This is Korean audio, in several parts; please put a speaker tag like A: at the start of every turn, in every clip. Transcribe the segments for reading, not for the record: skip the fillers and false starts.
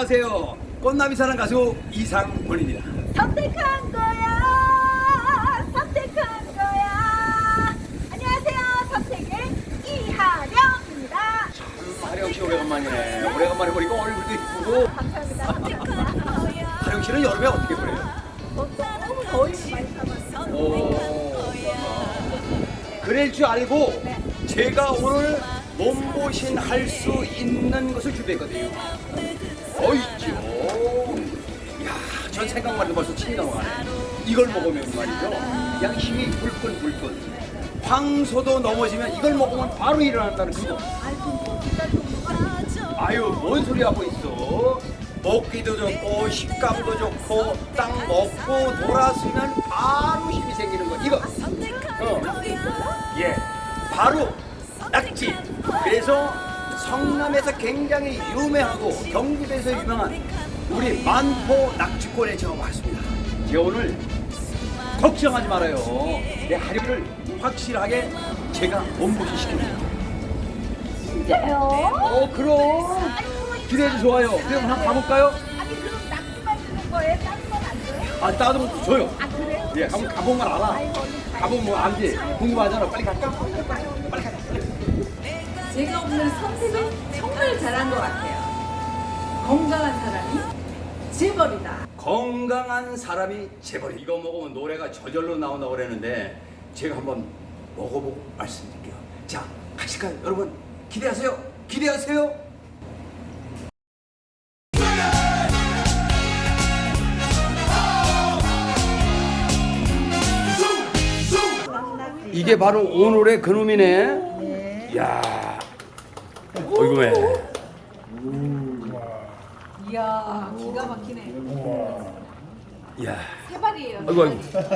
A: 안녕하세요. 꽃나비 사랑 가수 이상권입니다.
B: 선택한 거야. 선택한 거야. 안녕하세요. 선택의 이하령입니다.
A: 하령 씨 오래간만이네. 오래간만에 보니까 얼굴도 이쁘고.
B: 감사합니다. 선택한 거야.
A: 하령 씨는 여름에 어떻게 보내요?
B: 너무 더위 많이 타봤어요.
A: 그럴 줄 알고 제가 오늘 몸보신 할 수 있는 것을 준비했거든요. 있죠. 이야, 전 생각만 해도 벌써 침이 넘어가네. 이걸 먹으면 말이죠. 그냥 힘이 불끈불끈. 황소도 넘어지면 이걸 먹으면 바로 일어난다는 그거. 아유, 뭔 소리 하고 있어. 먹기도 좋고 식감도 좋고 딱 먹고 돌아서면 바로 힘이 생기는 거. 이거. 예, 바로 낙지. 그래서 성남에서 굉장히 유명하고 경기도에서 유명한 우리 만포 낙지골에 제가 왔습니다. 제가 오늘 걱정하지 말아요. 내 하루를 확실하게 제가 몸보신 시킵니다.
B: 진짜요?
A: 그럼 기대해도 좋아요. 그럼 한번 가볼까요?
B: 아니 그럼 낙지만 주는 거예요? 다른 건 안 줘요?
A: 다른 것도 줘요.
B: 아 그래요?
A: 예, 한번 가본 건 알아. 가보면 뭐 알지? 궁금하잖아. 빨리 갈까? 빨리 가자.
C: 제가 오늘 선택은 정말 잘한 것 같아요. 건강한 사람이 재벌이다.
A: 건강한 사람이 재벌. 이거 먹으면 노래가 저절로 나온다고 그랬는데 제가 한번 먹어보고 말씀드릴게요. 자, 가실까요? 여러분 기대하세요. 기대하세요. 이게 바로 오늘의 그놈이네. 이야, 이거 왜?
C: 이야, 기가 막히네.
A: 이야,
C: 세 발이에요.
A: 아이고.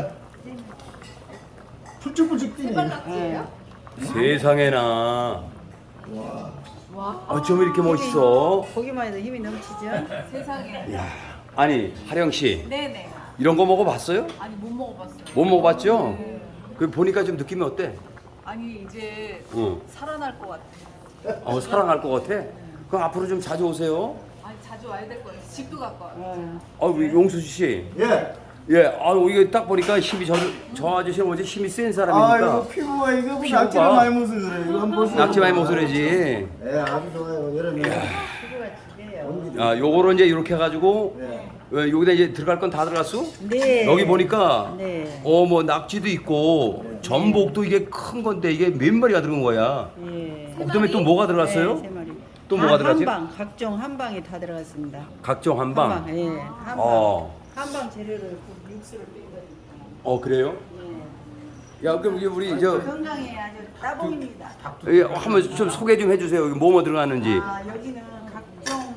D: 풀쭉풀쭉 뛰네.
C: 세발 낙지예요?
A: 세상에나.
C: 와,
A: 어쩜 이렇게 멋있어?
E: 보기만 해도 힘이 넘치죠?
C: 세상에.
A: 이야, 아니 하령 씨,
C: 네네.
A: 이런 거 먹어봤어요?
C: 아니 못 먹어봤어요.
A: 못 먹어봤죠?
C: 네.
A: 그 보니까 좀 느낌이 어때?
C: 아니 이제
A: 응.
C: 살아날 것 같아요.
A: 사랑할 것 같아? 그럼 앞으로 좀 자주 오세요.
C: 아니 자주 와야 될 거예요. 집도 가까워요.
A: 우리 용수 씨.
D: 예.
A: 예, 이게 딱 보니까 힘이 저 아저씨는 어제 힘이 센
D: 아,
A: 사람이니까.
D: 이거 피부가 이거 뭐
A: 피부가.
D: 낙지를 많이 먹어서 그래. 이거 한번 보세요.
A: 낙지 많이 먹으래지.
D: 예, 아주 좋아요. 여름에.
E: 피부가 지대요.
A: 요거로 이제 이렇게 해가지고
D: 예.
A: 여기다 이제 들어갈 건 다 들어갔어?
E: 네.
A: 여기 보니까
E: 네.
A: 뭐 낙지도 있고 전복도 이게 큰 건데 이게 몇 마리가 들어간 거야?
E: 예.
A: 그다음에 또 뭐가 들어갔어요?
E: 네, 세 마리.
A: 또 뭐가 들어갔지?
E: 한방, 각종 한방이 다 들어갔습니다.
A: 각종 한방.
E: 한방, 예. 한방. 한방 재료를 육수를 뺀 거니까.
A: 그래요?
E: 예.
A: 야, 그럼 이게 우리 저
E: 건강에 아주 따봉입니다.
A: 한번 좀 소개 좀 해주세요. 여기 뭐뭐 들어가는지.
E: 여기는 각종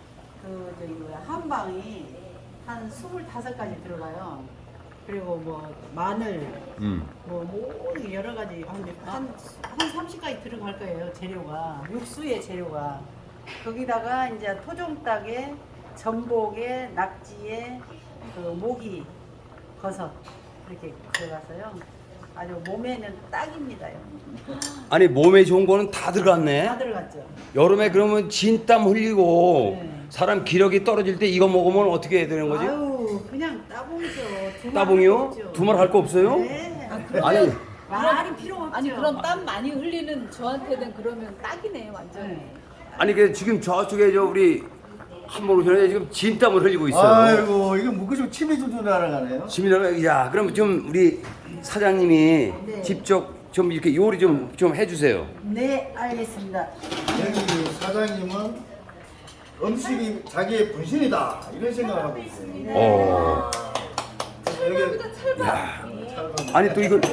E: 한방이 한 25가지 들어가요. 그리고 뭐 마늘, 뭐 모든 여러 가지 한 30가지 들어갈 거예요. 재료가 육수의 재료가 거기다가 이제 토종닭에 전복에 낙지에 그 모기 버섯 이렇게 들어가서요. 아주 몸에는 딱입니다요.
A: 아니 몸에 좋은 거는 다 들어갔네.
E: 다 들어갔죠.
A: 여름에 그러면 진땀 흘리고
E: 네.
A: 사람 기력이 떨어질 때 이거 먹으면 어떻게 해야 되는 거지?
E: 아유 그냥 따봉이죠.
A: 따봉이요? 두말 할 거 없어요?
E: 네.
A: 아니
E: 말이 필요 없죠.
C: 아니 그럼 땀 많이 흘리는 저한테는 그러면 딱이네 완전히.
E: 네.
A: 아니 그 지금 저쪽에 저 우리 한번 오셨는데 지금 진땀을 흘리고 있어요.
D: 아이고, 이거 묶어주고 침이 줄줄 날아가네요.
A: 지민아, 야, 그럼 좀 우리 사장님이
E: 네.
A: 직접 좀 이렇게 요리 좀 해주세요.
E: 네, 알겠습니다.
D: 여기 사장님은 음식이 자기의 분신이다. 이런 생각을 하고 있어요.
A: 어,
D: 여기
A: 아니 또 이걸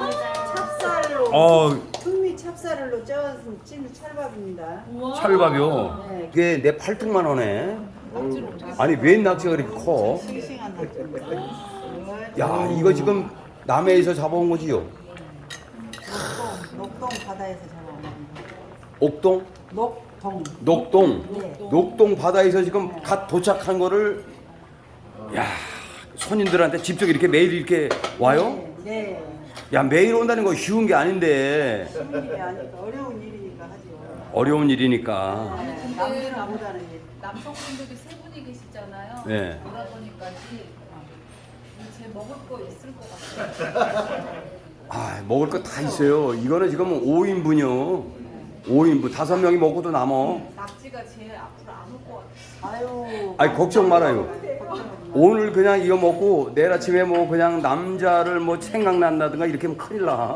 E: 찹쌀로 풍미 찹쌀로 찐 찰밥입니다.
A: 찰밥이요.
E: 네.
A: 이게 내 팔뚝만 하네. 아니 웬 낙지가 그렇게 커?
E: 싱싱한 낙지입니다.
A: 야, 이거 지금 남해에서 잡아온 거지요?
E: 녹동 바다에서 잡아온 겁니다.
A: 옥동?
E: 녹동.
A: 녹동?
E: 네.
A: 녹동 바다에서 지금 갓 도착한 거를 야, 손님들한테 직접 이렇게 매일 이렇게 와요?
E: 네.
A: 야, 매일 온다는 거 쉬운 게 아닌데
E: 쉬운 일이 아니까 어려운 일이니까 하죠.
A: 어려운 일이니까.
E: 남들 나보다는
C: 남성분들이 세 분이 분이 계시잖아요.
A: 네.
C: 그러다 보니까 제 먹을 거 있을 것 같아요.
A: 아, 먹을 거 다 있어요. 이거는 지금 5인분이요. 5인분 5명이 먹고도 남어.
C: 낙지가 제일 앞으로 안 올 것 같아요.
E: 아유.
A: 아니 걱정 말아요. 오늘 그냥 이거 먹고 내일 아침에 뭐 그냥 남자를 뭐 생각난다든가 이렇게 하면 큰일 나.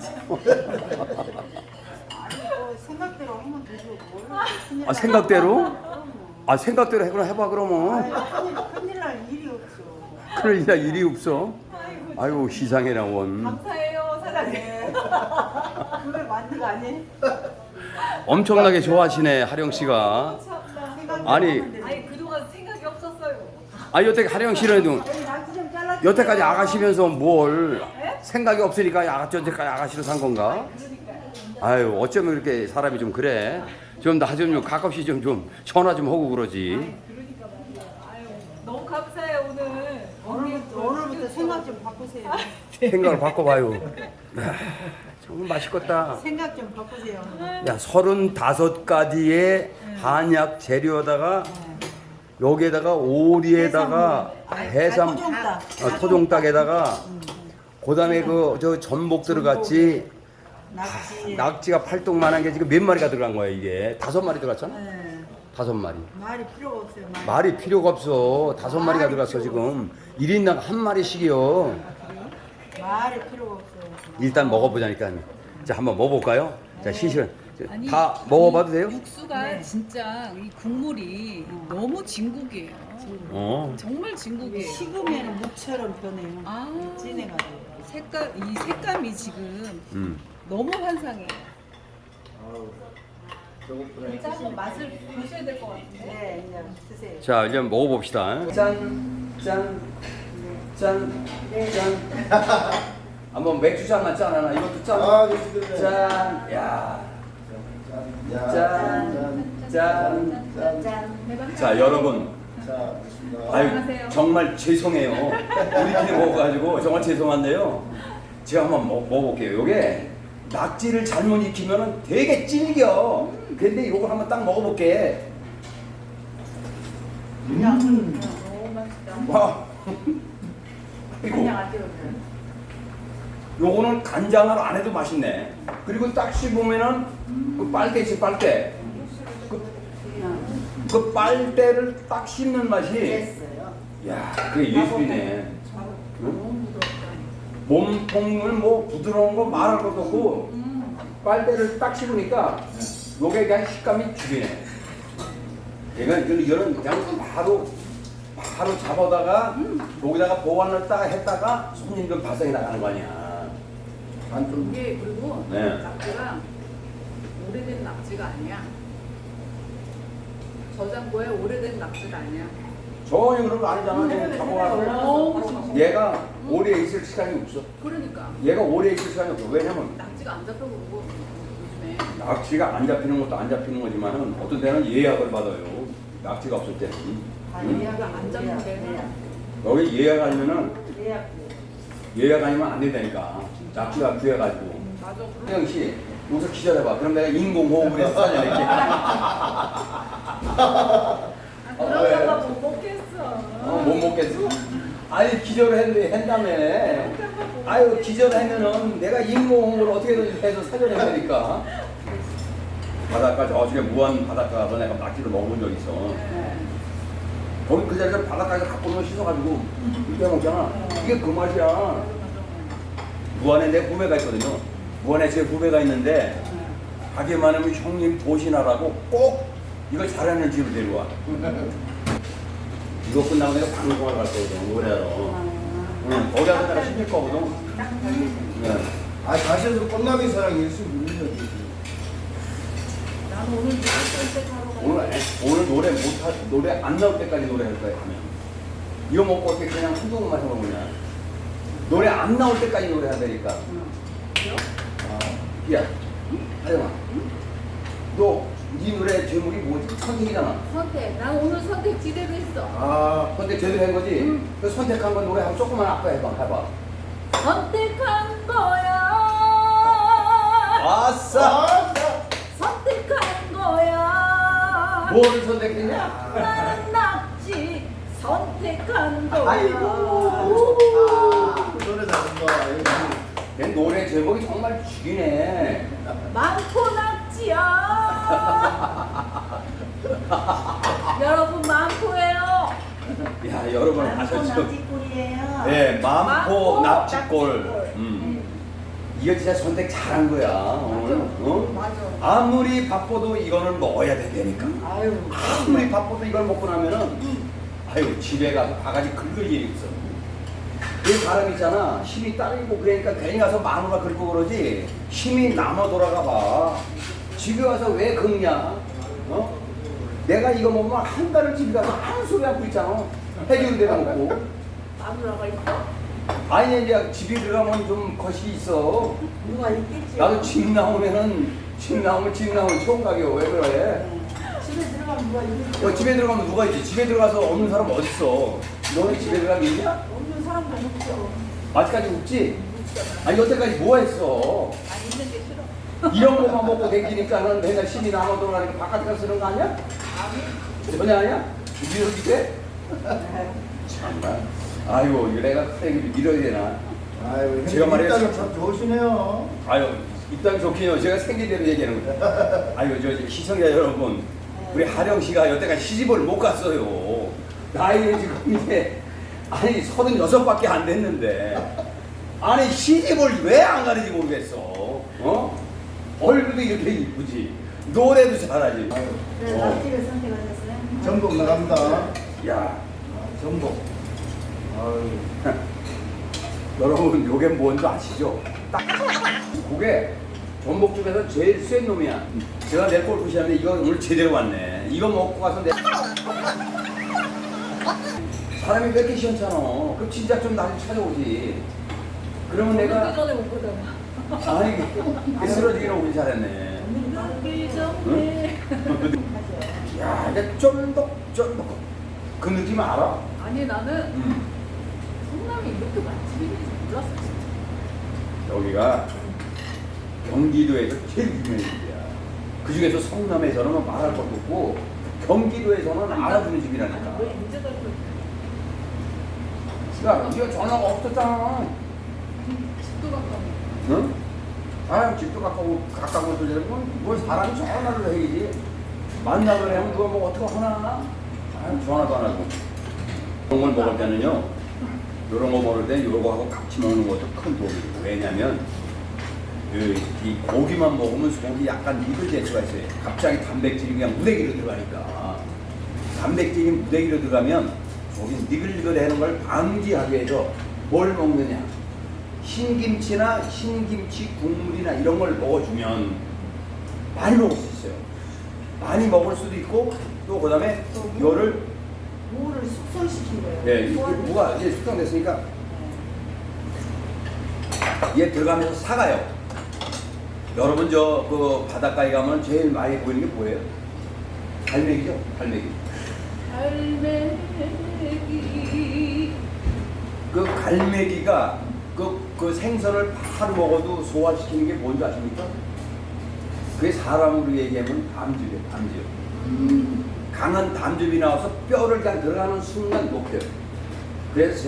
E: 생각대로 하면 되죠. 뭘
A: 아, 생각대로? 아, 생각대로 해봐 그러면.
E: 큰일 날 일이 없어.
A: 큰일 날 일이 없어. 아이고 희상해라 원.
C: 감사해요, 사장님.
E: 그걸 만드가 아니?
A: 엄청나게 좋아하시네 하령 씨가. 아니,
C: 아니 그동안 생각이 없었어요.
A: 아 여태 하령 씨는 좀
E: 낙지 좀 잘라.
A: 여태까지 아가시면서 뭘 생각이 없으니까 여태까지 아가씨로 산 건가? 아유 어쩌면 이렇게 사람이 좀 그래. 좀 나 좀 가끔씩 좀 전화 좀 하고 그러지.
C: 그러니까 말이야. 아유 너무 감사해요 오늘.
E: 오늘부터 생각 좀 바꾸세요.
A: 생각을 바꿔봐요. 야, 정말 맛있겠다.
E: 생각 좀 바꾸세요.
A: 야 35가지의 한약 재료에다가 여기에다가 오리에다가 해삼 토종닭에다가 그다음에 그 저 전복 들어갔지.
E: 낙지.
A: 낙지가 팔뚝만한 게 지금 몇 마리가 들어간 거야 이게 5마리 들어갔잖아.
E: 네.
A: 5마리.
E: 말이 필요가 없어요.
A: 말이 필요가 없어. 5마리가 들어갔어 지금. 1인당 한 마리씩이요.
E: 말이 필요가 없어요.
A: 일단 먹어보자니까. 자 한번 먹어볼까요? 자 시실
C: 아니,
A: 다 먹어봐도 돼요?
C: 육수가 진짜 이 국물이 너무 진국이에요.
A: 어.
C: 정말 진국이에요.
E: 식으면 무처럼 변해요.
C: 아
E: 진해가지고.
C: 이 색감이 지금 너무 환상해요. 진짜 한번 맛을 보셔야 될 것 같은데.
E: 네, 이제 드세요.
A: 자 이제 먹어봅시다. 짠, 짠, 짠, 짠. 한번 맥주 잔만 짠 하나. 이것도 짠.
D: 아, 그렇지.
A: 짠, 야, 짠, 짠. 자 여러분.
D: 자, 좋습니다.
A: 아유 정말 죄송해요. 우리끼리 먹어가지고 정말 죄송한데요. 제가 한번 먹어볼게요. 요게 낙지를 잘못 익히면 되게 질겨. 근데 이걸 한번 딱 먹어볼게.
E: 너무 맛있다.
A: 와.
E: 그냥 안 찍어줘요.
A: 요거는 간장을 안 해도 맛있네. 그리고 딱 씹으면은 그 빨대 있지 빨대. 그 빨대를 딱 씹는 맛이.
E: 됐어요.
A: 야, 그게 예술이네. 응? 몸통을 뭐 부드러운 거 말할 것도 없고 빨대를 딱 씹으니까 요게 그냥 식감이 죽이네. 이거는 그냥 바로 잡아다가 여기다가 보관을 딱 했다가 손님들 발상이 나가는 거 아니야.
C: 이게 그리고
A: 네.
C: 낙지가 오래된 낙지가 아니야. 저장고에 오래된 낙지가 아니야.
A: 전혀 그런 거 아니잖아. 지금 잡아가지고 얘가 오래 있을 시간이 없어.
C: 그러니까
A: 얘가 오래 있을 시간이 없어. 왜냐면
C: 낙지가 안 잡혀 그러고 요즘에.
A: 낙지가 안 잡히는 것도 안 잡히는 거지만은 어떤 데는 예약을 받아요. 낙지가 없을 때는.
C: 예약을 안 잡는데.
A: 여기 예약 아니면은
E: 예약.
A: 예약 아니면 안 된다니까. 낙지가 귀해가지고.
C: 맞아.
A: 태영 씨, 여기서 기절해봐. 그럼 내가 인공호흡을 해서 살려낼게.
C: 그러다가 못 먹겠어.
A: 못 먹겠어? 아니 기절을 한다며. 아유 기절하면은 내가 인공호흡을 어떻게든 해서 살려내야 되니까. 바닷가 저쪽에 무한 바닷가 가서 내가 낙지를 먹어본 적 있어. 거기 그 자리에서 바닷가에서 갖고 오면 씻어가지고 이렇게 먹잖아. 이게 그 맛이야. 무안에 내 후배가 있거든요. 무안에 제 후배가 있는데 가게 많으면 형님 보시나라고 꼭 이걸 잘하는 집을 데려와. 이거 끝나고 내가 방송을 갈 거거든. 노래하러. 응, 거기 가서 내가 시킬 거거든. 네.
D: 아, 가셔서 꽃나비 사랑 일수 누리는
C: 나는 오늘 무조건
A: 오늘 노래 안 나올 때까지 노래할 거야 하면. 이거 먹고 어떻게 그냥 한두 번만 해보냐. 노래 안 나올 때까지 노래해야 되니까. 야, 하영아. 네 노래 제목이 뭐지? 선택이잖아.
C: 선택. 난 오늘 선택 지대로 했어.
A: 아, 선택 제대로 한 거지? 그 선택한 건 노래 한번 조금만 아까 해봐.
C: 선택한 거야.
A: 아싸!
C: 선택한 거야.
A: 뭐를 선택했냐?
C: 나는 낙지.
B: 선택한 거야.
D: 아이고 노래 잘한다.
A: 내 노래 제목이 정말 죽이네.
B: 많고 낙지야. 여러분 많고예요.
A: 야, 여러분 아셨죠?
E: 납치꾼이에요.
A: 네, 마음포
B: 마음포
A: 납치골.
B: 납치골.
A: 이거 진짜 선택 잘한 거야. 오늘. 어?
B: 맞아.
A: 아무리 바빠도 이거는 먹어야 된다니까.
B: 아유.
A: 아무리 바빠도 이걸 먹고 나면은 아유 집에 가서 바가지 긁을 일이 있어. 그 사람 있잖아 힘이 딸리고 그러니까 괜히 가서 마누라 긁고 그러지 힘이 남아 돌아가 봐. 집에 와서 왜 긁냐? 어? 내가 이거 먹으면 한 달을 집에 가서 한 소리 하고 있잖아. 해주는 데가 먹고.
B: 마누라가 있어?
A: 아니 이제 집에 들어가면 좀 것이 있어.
E: 누가 있겠지.
A: 나도 집 나오면 처음 가게 왜 그래?
E: 집에 들어가면 누가 있겠지.
A: 집에 들어가면 누가 있지? 집에 들어가서 없는 사람 어딨어? 너는 집에 들어가면 있냐?
E: 없는 사람도 없죠.
A: 아직까지 없지? 아니 여태까지 뭐 했어?
B: 안 있는 게 싫어.
A: 이런 것만 먹고 댕기니까는 맨날 힘이 남아 돌아가니까 바깥에 가서 쓰는 거 아니야? 전혀 아니야? 이렇게 돼? 참나. 아이고 이거 내가 그래 밀어야 되나?
D: 아이고
A: 제가 말이에요.
D: 일단은 참 좋으시네요.
A: 아유 입담이 좋긴요. 제가 생긴 대로 얘기하는 거예요. 아유 저 시청자 여러분, 우리 하령 씨가 여태까지 시집을 못 갔어요. 나이는 지금 이제 아니 36밖에 안 됐는데 아니 시집을 왜 안 가는지 모르겠어. 어? 얼굴도 이렇게 이쁘지, 노래도 잘하지.
E: 그래서 납치를 선택하셨어요?
D: 전복 나갑니다.
A: 야
D: 전복. 아유.
A: 여러분 요게 뭔지 아시죠? 딱 그게 전복 중에서 제일 센 놈이야. 제가 내 골프 시합에 이거 오늘 제대로 왔네. 이거 먹고 가서 내 사람이 왜 이렇게 시원찮아? 그럼 진짜 좀 날 찾아오지. 그러면
B: 먹기
A: 내가
B: 전에 못 보잖아.
A: 아니 쓰러지기는 오길 잘했네.
B: 먹기 전에.
A: 야 이게 쫀득쫀득 그 느낌 알아?
B: 아니 나는 성남이 이렇게 맛집이 있는지 몰랐어 진짜.
A: 여기가 경기도에서 제일 유명한 집이야. 그 중에서 성남에서는 말할 것도 없고 경기도에서는 알아주는 집이라니까.
B: 왜 문제가 있고
A: 야, 이거 전화가 없었잖아.
B: 집도 가까워.
A: 응? 아, 집도 가까운 소리 되면 뭘 사람이 전화를 해야지. 만나고 하면 누가 뭐 어떻게 하나? 아, 전화도 안 하고. 이런 걸 먹을 때는요, 이런 거 먹을 때 이거하고 같이 먹는 것도 큰 도움이 돼요. 왜냐면 이 고기만 먹으면 속이 약간 익을 수가 있어요. 갑자기 단백질이 그냥 무대기로 들어가니까. 단백질이 무대기로 들어가면 속이 니글니글해는 걸 방지하기 위해서 뭘 먹느냐? 흰김치나 흰김치 국물이나 이런 걸 먹어주면 많이 먹을 수 있어요. 많이 먹을 수도 있고 또 그다음에 이거를
E: 무를 숙성시킨 거예요.
A: 네, 무가 이제 숙성됐으니까 얘 들어가면서 사가요. 여러분 저 그 바닷가에 가면 제일 많이 보이는 게 뭐예요? 갈매기죠, 갈매기.
B: 갈매기.
A: 그 갈매기가 그 생선을 바로 먹어도 소화시키는 게 뭔지 아십니까? 그게 사람으로 얘기하면 담즙이에요, 담즙. 강한 담즙이 나와서 뼈를 그냥 들어가는 순간 녹혀요. 그래서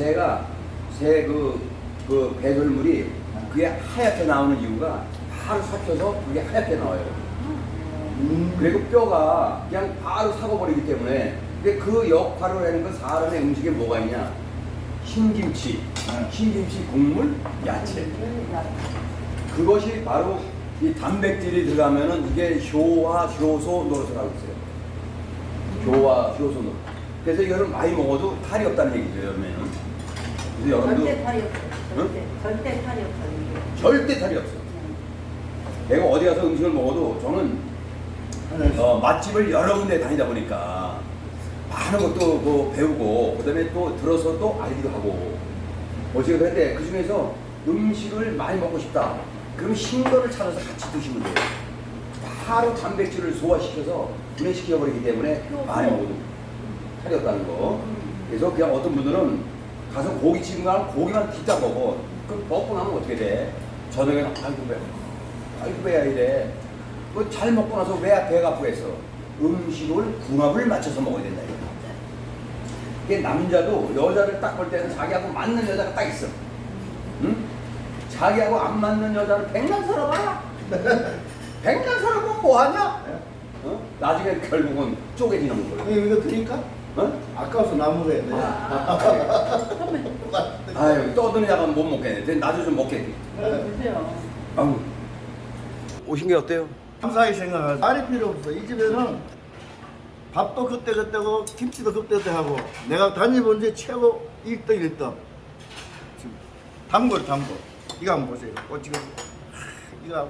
A: 그 배설물이 그게 하얗게 나오는 이유가 바로 삭혀서 그게 하얗게 나와요. 그리고 뼈가 그냥 바로 사고버리기 때문에. 근데 그 역할을 하는 건 사람의 음식에 뭐가 있냐? 흰김치, 흰김치 국물, 야채. 그것이 바로 이 단백질이 들어가면은 이게 효화, 효소 노릇을 하고 있어요. 효화, 효소 노릇. 그래서 이거를 많이 먹어도 탈이 없다는 얘기죠, 여러분은. 그래서 여러분도
E: 절대 탈이 없어요.
A: 응?
E: 절대 탈이 없어요.
A: 절대 탈이 없어요. 내가 어디 가서 음식을 먹어도 저는 맛집을 여러 군데 다니다 보니까 많은 것도 뭐 배우고 그다음에 또 들어서 또 알기도 하고 어찌가 그런데 그 중에서 음식을 많이 먹고 싶다. 그럼 흰 거를 찾아서 같이 드시면 돼요. 바로 단백질을 소화시켜서 분해시켜 버리기 때문에 많이 먹어도 탈이 없다는 거. 그래서 그냥 어떤 분들은 가서 고깃집 가면 고기만 뒤딱 먹어. 그럼 먹고 나면 어떻게 돼? 저녁에는 아이고 배야 이래. 뭐 잘 먹고 나서 왜 배가 아프겠어? 음식을 궁합을 맞춰서 먹어야 된다 이거. 이게 남자도 여자를 딱 볼 때는 자기하고 맞는 여자가 딱 있어. 응? 자기하고 안 맞는 여자를 100년 살아봐. 100년 살아보면 뭐하냐? 어? 나중에 결국은 쪼개지는 거예요.
D: 이거 드릴까?
A: 어?
D: 아까워서 나무가 돼.
A: 아유 떠드는 약은 못 먹겠네. 나도 좀 먹겠니?
E: 드세요.
A: 아유. 오신 게 어때요?
D: 감사히 생각하지. 말이 필요 없어. 이 집에는 밥도 그때그때고 김치도 그때그때하고 내가 다녀본 데 최고 1등 1등. 지금 단골. 이거 한번 보세요. 지금 이거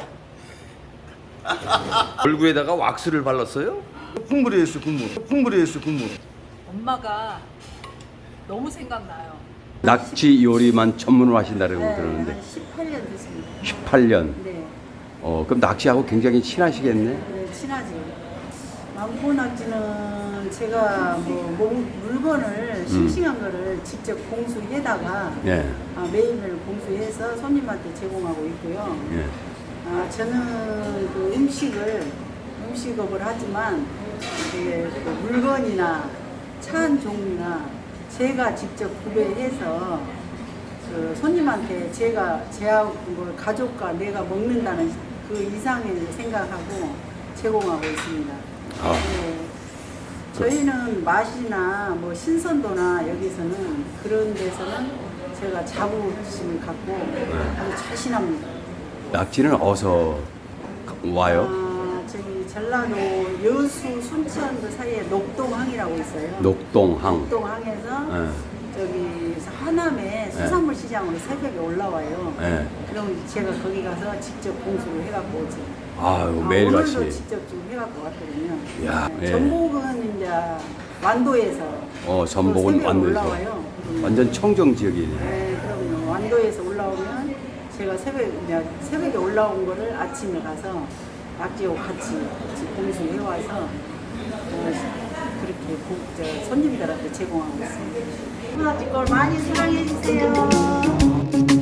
A: 얼굴에다가 왁스를 발랐어요?
D: 국물이 있어 국물.
C: 엄마가 너무 생각나요.
A: 낙지 요리만 전문으로 하신다고
E: 네,
A: 들었는데
E: 한 18년 됐습니다.
A: 18년.
E: 네,
A: 그럼 낙지하고 굉장히 친하시겠네?
E: 네 친하지. 망고 낙지는 제가 물건을 싱싱한 거를 직접 공수해다가
A: 예.
E: 매일매일 공수해서 손님한테 제공하고 있고요.
A: 예.
E: 저는 그 음식업을 하지만 이게 그 물건이나 차 한 종류나 제가 직접 구매해서 그 손님한테 제하고 뭐 가족과 내가 먹는다는 그 이상의 생각하고 제공하고 있습니다.
A: 아.
E: 네. 저희는 맛이나 뭐 신선도나 여기서는 그런 데서는 제가 자부심을 갖고 아주 자신합니다.
A: 낙지는 어디서 와요?
E: 저기 전라도 여수 순천 그 사이에 녹동항이라고 있어요.
A: 녹동항.
E: 녹동항에서
A: 예.
E: 저기 하남에 수산물 시장으로 새벽에 올라와요.
A: 예.
E: 그럼 제가 거기 가서 직접 공수를 해갖고 오지.
A: 아유, 매일같이.
E: 오늘도 직접 좀 해갖고 왔거든요.
A: 야, 예.
E: 전복은 이제 완도에서
A: 전복은
E: 새벽에
A: 완도에서.
E: 올라와요.
A: 완전 청정 지역이네.
E: 네, 그럼요. 완도에서 올라오면 제가 새벽에 올라온 거를 아침에 가서 낙지하고 같이 공수해 와서 그렇게 손님들한테 제공하고 있습니다. 낙지 걸 많이 사랑해 주세요.